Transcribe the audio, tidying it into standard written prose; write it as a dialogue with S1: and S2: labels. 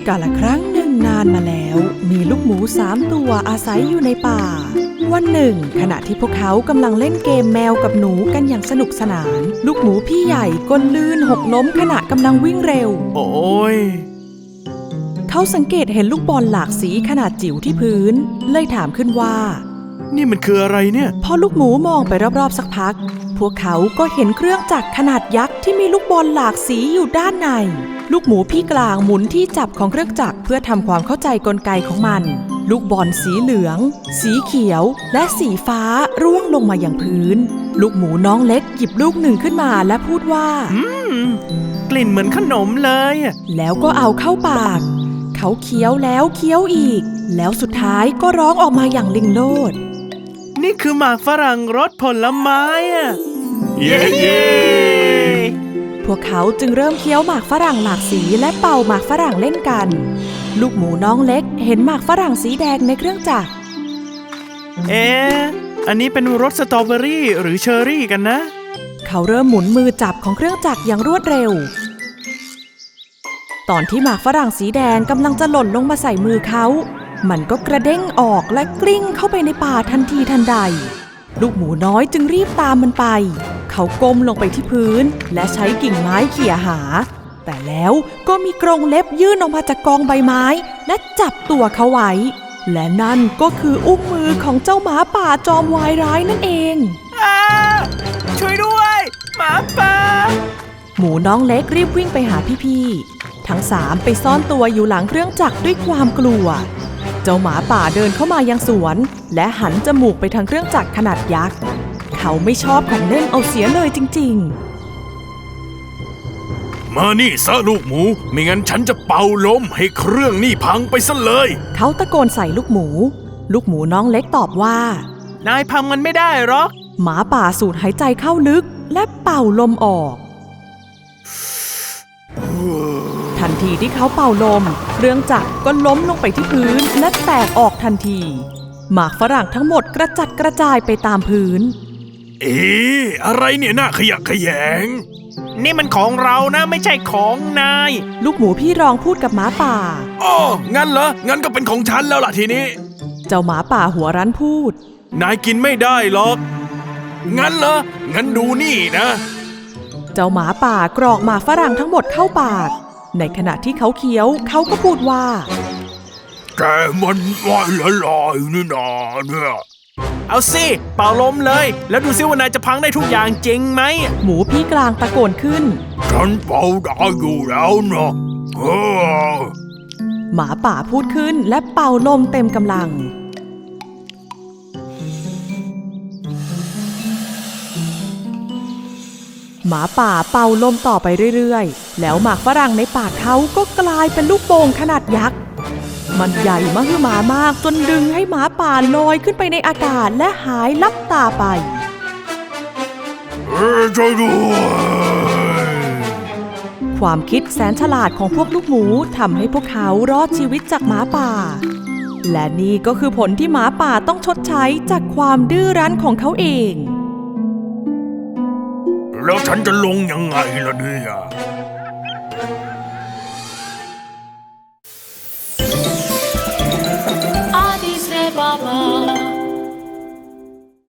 S1: กาลครั้งหนึ่งนานมาแล้วมีลูกหมู3 ตัวอาศัยอยู่ในป่าวันหนึ่งขณะที่พวกเขากำลังเล่นเกมแมวกับหนูกันอย่างสนุกสนานลูกหมูพี่ใหญ่ก็ลื่นหกล้มขณะกำลังวิ่งเร็ว
S2: โอ้ย
S1: เขาสังเกตเห็นลูกบอลหลากสีขนาดจิ๋วที่พื้นเลยถามขึ้นว่า
S2: นี่มันคืออะไรเนี่ย
S1: พอลูกหมูมองไปรอบๆสักพักพวกเขาก็เห็นเครื่องจักรขนาดยักษ์ที่มีลูกบอลหลากสีอยู่ด้านในลูกหมูพี่กลางหมุนที่จับของเครื่องจักรเพื่อทำความเข้าใจกลไกของมันลูกบอลสีเหลืองสีเขียวและสีฟ้าร่วงลงมาอย่างพื้นลูกหมูน้องเล็กหยิบลูกหนึ่งขึ้นมาและพูดว่
S2: ากลิ่นเหมือนขนมเลย
S1: แล้วก็เอาเข้าปากเขาเคี้ยวแล้วเคี้ยวอีกแล้วสุดท้ายก็ร้องออกมาอย่างลิงโลด
S2: นี่คือหมากฝรั่งรสผลไม้เย้เย้
S1: พวกเขาจึงเริ่มเคี้ยวหมากฝรั่งหลากสีและเป่าหมากฝรั่งเล่นกันลูกหมูน้องเล็กเห็นหมากฝรั่งสีแดงในเครื่องจักร
S2: อันนี้เป็นรสสตรอเบอรี่หรือเชอร์รี่กันนะ
S1: เขาเริ่มหมุนมือจับของเครื่องจักรอย่างรวดเร็วตอนที่หมากฝรั่งสีแดงกำลังจะหล่นลงมาใส่มือเขามันก็กระเด้งออกและกลิ้งเข้าไปในป่าทันทีทันใดลูกหมูน้อยจึงรีบตามมันไปเขาก้มลงไปที่พื้นและใช้กิ่งไม้เขี่ยหาแต่แล้วก็มีกรงเล็บยื่นออกมาจากกองใบไม้และจับตัวเขาไว้และนั่นก็คืออุ้งมือของเจ้าหมาป่าจอมวายร้ายนั่นเอง
S2: ช่วยด้วยหมาป่า
S1: หมูน้องเล็กรีบวิ่งไปหาพี่ๆทั้ง3ไปซ่อนตัวอยู่หลังเครื่องจักรด้วยความกลัวเจ้าหมาป่าเดินเข้ามายังสวนและหันจมูกไปทางเครื่องจักรขนาดยักษ์เขาไม่ชอบของเล่นเอาเสียเลยจริง
S3: ๆมานี่ซะลูกหมูไม่งั้นฉันจะเป่าลมให้เครื่องนี่พังไปซะเลย
S1: เขาตะโกนใส่ลูกหมูน้องเล็กตอบว่าน
S2: ายพังมันไม่ได้หรอก
S1: หมาป่าสูดหายใจเข้าลึกและเป่าลมออกทันทีที่เขาเป่าลมเครื่องจักรก็ล้มลงไปที่พื้นและแตกออกทันทีหมากฝรั่งทั้งหมดกระจัดกระจายไปตามพื้น
S3: อะไรเนี่ยน่าขยะแขยง
S2: นี่มันของเรานะไม่ใช่ของนาย
S1: ลูกหมูพี่รองพูดกับหมาป่า
S3: อ๋องั้นเหรองั้นก็เป็นของฉันแล้วล่ะทีนี้
S1: เจ้าหมาป่าหัวรั้นพูด
S3: นายกินไม่ได้หรอกงั้นเหรองั้นดูนี่นะ
S1: เจ้าหมาป่ากรอกหมากฝรั่งทั้งหมดเข้าปากในขณะที่เขาเคี้ยวเขาก็พูดว่า
S3: แกมันว่ายละลายนี่นาเนี่ย
S2: เอาสิเป่าลมเลยแล้วดูซิว่านายจะพังได้ทุกอย่างจริงไหม
S1: หมูพี่กลางตะโกนขึ้น
S3: ฉันเป่าได้อยู่แล้วนะ
S1: หมาป่าพูดขึ้นและเป่าลมเต็มกำลังหมาป่าเป่าลมต่อไปเรื่อยๆแล้วหมากฝรั่งในปากเขาก็กลายเป็นลูกโป่งขนาดยักษ์มันใหญ่มหึมามากจนดึงให้หมาป่าลอยขึ้นไปในอากาศและหายลับตาไป
S3: ช่วยด้วย
S1: ความคิดแสนฉลาดของพวกลูกหมูทำให้พวกเขารอดชีวิตจากหมาป่าและนี่ก็คือผลที่หมาป่าต้องชดใช้จากความดื้อรั้นของเขาเอง
S3: แล้วฉันจะลงยังไงล่ะเนี่ย